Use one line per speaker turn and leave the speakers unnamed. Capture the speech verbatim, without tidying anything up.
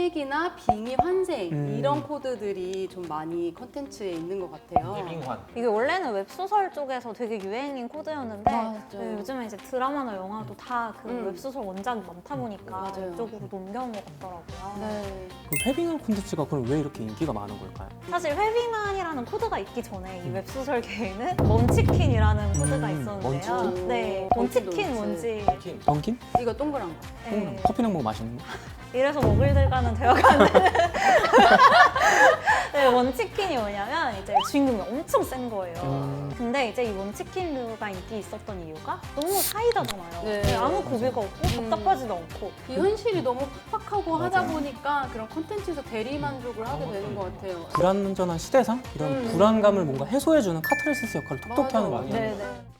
색이나 빙의 환생
음.
이런 코드들이 좀 많이 컨텐츠에 있는 것 같아요.
해빙환.
이게 원래는 웹소설 쪽에서 되게 유행인 코드였는데
맞아요.
네, 요즘에 이제 드라마나 영화도 다 그
음.
웹소설 원작이 많다 보니까
맞아요.
이쪽으로 넘겨온 것 같더라고요.
네.
그 회빙한 콘텐츠가 그럼 왜 이렇게 인기가 많은 걸까요?
사실 회빙안이라는 코드가 있기 전에 이 웹소설계에는 먼치킨이라는 코드가
음,
있었는데요.
먼치킨?
네,
먼치도
먼치킨
있지.
뭔지
킨.
던킨?
이거 동그란 거.
네.
커피랑 먹으면 맛있는 거?
이래서 먹을들과는 대화가 안 되는 네, 원치킨이 뭐냐면 이제 주인공이 엄청 센 거예요.
음.
근데 이제 이 원치킨류가 인기 있었던 이유가 너무 사이다잖아요.
네.
네, 아무 고비가 없고
음.
답답하지도 않고
이 현실이 너무 팍팍하고 하다
맞아요.
보니까 그런 콘텐츠에서 대리 만족을 하게 되는 것 같아요.
불안전한 시대상? 이런
음.
불안감을 뭔가 해소해주는 카타르시스 역할을 톡톡히
맞아,
하는 거
맞아.
아니에요?
네네.